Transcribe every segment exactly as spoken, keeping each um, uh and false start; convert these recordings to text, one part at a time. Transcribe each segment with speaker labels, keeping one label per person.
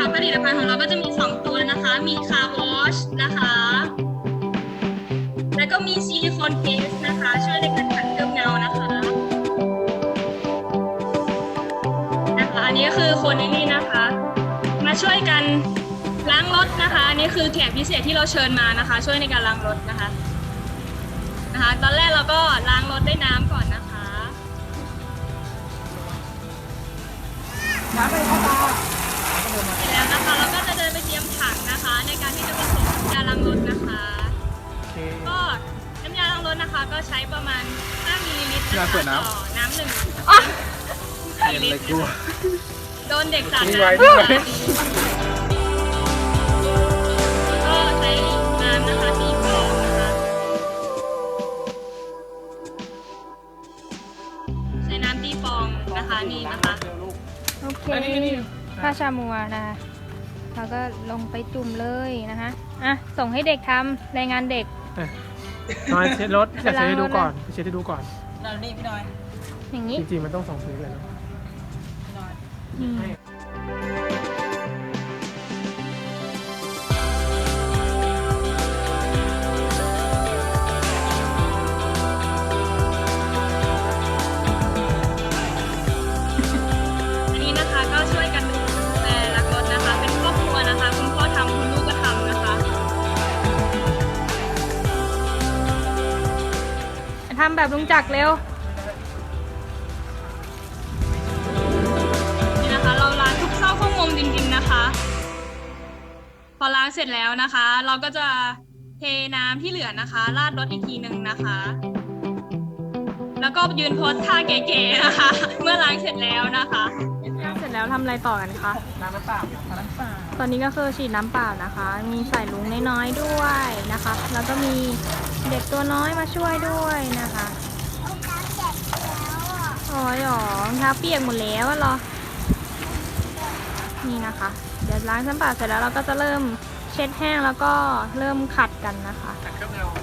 Speaker 1: นะคะผลิตภัณฑ์ของเราก็จะมีสองตัวนะคะมีคาร์วอชนะคะแล้วก็มีซิลิโคนเกสนะคะช่วยในการขัดเคลือบเงานะคะนะคะอันนี้ก็คือคนในนี่นะคะมาช่วยกันล้างรถนะคะอันนี้คือแขกพิเศษที่เราเชิญมานะคะช่วยในการล้างรถนะคะนะคะตอนแรกเราก็ล้างรถด้วยน้ำก่อนนะคะ
Speaker 2: น้ำไปเข้าตา
Speaker 1: เสร็จแล้วนะคะเราก็จะเดินไปเตรียมถังนะคะในการที่จะผสมน้ำยาล้างรถนะคะก็น้ำยาล้างรถนะคะก็ใช้ประมาณห้ามิลลิลิตรนะคะต่อน้ำหนึ่งมิลลิลิตรโดนเด็กสาดน้ำก็ใช้น้ำนะคะตีฟองนะคะใช้น้ำตีฟองนะคะนี่นะคะ
Speaker 3: โอเคผ้าชามัวนะคะเราก็ลงไปจุ่มเลยนะคะอ่ะส่งให้เด็กทำรายงานเด็ก
Speaker 2: น้อยเช็ดรถจะเช็ดให้ดูก่อนเช็ดให้ดูก่อน
Speaker 4: นอนนี่พี่น้อย
Speaker 3: อย่างนี้
Speaker 2: จริงๆมันต้องสองพื้นเลยนะ
Speaker 4: พี่น้อย
Speaker 1: อันนี้นะคะก็ช่วยกันดูแลรักรถนะคะเป็นครอบครัวนะคะคุณพ่อทำคุณลูกก็ทำนะคะ
Speaker 3: ทำแบบลุงจักรเร็ว
Speaker 1: นี่นะคะเราล้างทุกซอกทุกมุมจริงๆนะคะพอล้างเสร็จแล้วนะคะเราก็จะเทน้ำที่เหลือนะคะราดรถอีกทีหนึ่งนะคะแล้วก็ยืนโพสท่าเก๋ๆนะคะเมื่อล้างเสร็จแล้วนะคะ
Speaker 3: เสร็จแล้วทำอะไรต่อกันคะ
Speaker 2: น้ำน้ำเปล่าน้ำเปล่า
Speaker 3: ตอนนี้ก็คือฉีดน้ำเปล่านะคะมีใส่ลุงน้อยๆด้วยนะคะแล้วก็มีเด็กตัวน้อยมาช่วยด้วยนะคะอ๋อหรอรองเท้าเปียกหมดแล้วเหรอนี่นะคะเดี๋ยวล้างน้ำเปล่าเสร็จแล้วเราก็จะเริ่มเช็ดแห้งแล้วก็เริ่มขัดกันนะคะ
Speaker 2: ขัดเครื่องเงา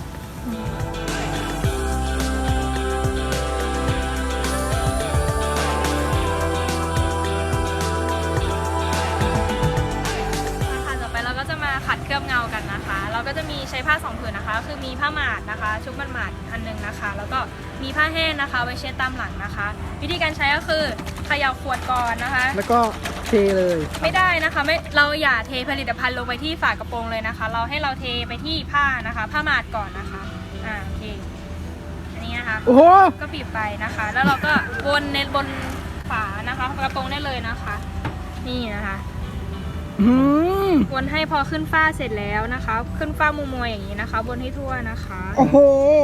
Speaker 3: ขัดเคลือบเงากันนะคะเราก็จะมีใช้ผ้าสองผืนนะคะคือมีผ้าหมาดนะคะชุบมันหมาดอันนึงนะคะแล้วก็มีผ้าแห้งนะคะไว้เช็ดตามหลังนะคะวิธีการใช้ก็คือเขย่าขวดก่อนนะคะ
Speaker 2: แล้วก็เทเลย
Speaker 3: ไม่ได้นะคะไม่เราอย่าเทผลิตภัณฑ์ลงไปที่ฝากระโปรงเลยนะคะเราให้เราเทไปที่ผ้านะคะผ้าหมาดก่อนนะคะอ่าโอเคอันนี้นะคะ
Speaker 2: โอ้โห
Speaker 3: ก็บีบไปนะคะแล้วเราก็วนในบนฝานะคะกระโปรงได้เลยนะคะนี่นะคะวนให้พอขึ้นฝ้าเสร็จแล้วนะคะขึ้นฝ้ามัวมัวอย่างนี้นะคะวนให้ทั่วนะคะ
Speaker 2: โอ้โห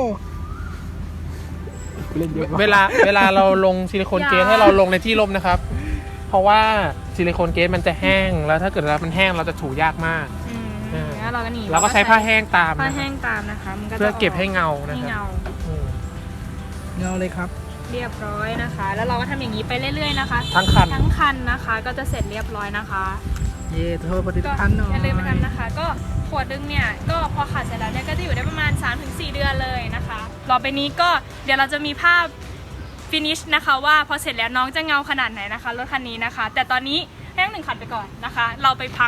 Speaker 2: เวลาเวลาเราลงซิลิโคนเกสให้เราลงในที่ร่มนะครับเพราะว่าซิลิโคนเกสมันจะแห้งแล้วถ้าเกิดเรามันแห้งเราจะถูยากมาก
Speaker 3: แล้วเราก็หนี
Speaker 2: เราก็ใช้ผ้าแห้งตาม
Speaker 3: ผ้าแห้งตามนะคะมันก็
Speaker 2: เพื่อเก็บให้เงานะ
Speaker 3: เงา
Speaker 2: เงาเลยครับ
Speaker 3: เรียบร้อยนะคะแล้วเราก็ทำอย่างนี้ไปเรื่อยๆนะคะ
Speaker 2: ทั้งคัน
Speaker 3: ทั้งคันนะคะก็จะเสร็จเรียบร้อยนะคะ
Speaker 2: เย่เธอผลิตภัณฑ์หน่อย
Speaker 3: อย่าลืมไปทำนะคะก็ขวดดึงเนี่ยก็พอขัดเสร็จแล้วเนี่ยก็จะอยู่ได้ประมาณ สามถึงสี่ เดือนเลยนะคะต่อไปนี้ก็เดี๋ยวเราจะมีภาพฟินิชนะคะว่าพอเสร็จแล้วน้องจะเงาขนาดไหนนะคะรถคันนี้นะคะแต่ตอนนี้ให้น้องหนึ่งขัดไปก่อนนะคะเราไปพัก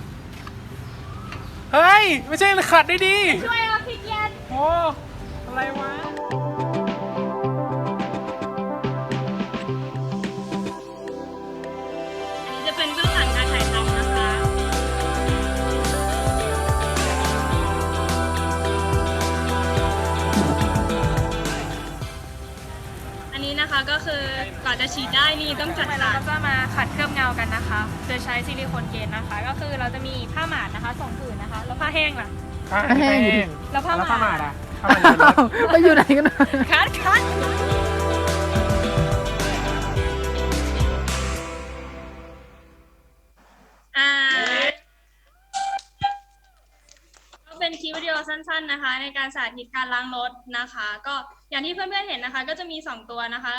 Speaker 2: เฮ้ยไม่ใช่ขัดได้ดี
Speaker 3: ช่วยเราพี่เย็น
Speaker 2: โอ้อะไรวะ
Speaker 1: เป็นเบื้องหลังการถ่ายทำนะคะอันนี้นะคะก็คือก่อนจะฉีดได้นี่ต้องจัด
Speaker 3: เราก็จะมาขัดเคลือบเงากันนะคะโดยใช้ซิลิโคนเกนนะคะก็คือเราจะมีผ้าหมาดนะคะสองผืนนะคะแล้วผ้าแห้งล่ะ
Speaker 2: ผ้าแห้ง
Speaker 3: แล้วผ้าหมาด
Speaker 2: อ่ะไปอยู่ไหนกัน
Speaker 3: คัดคัด
Speaker 1: เป็นคลิปวิดีโอสั้นๆนะคะในการสาธิตการล้างรถนะคะก็อย่างที่เพื่อนๆเห็นนะคะก็จะมีสองตัวนะคะ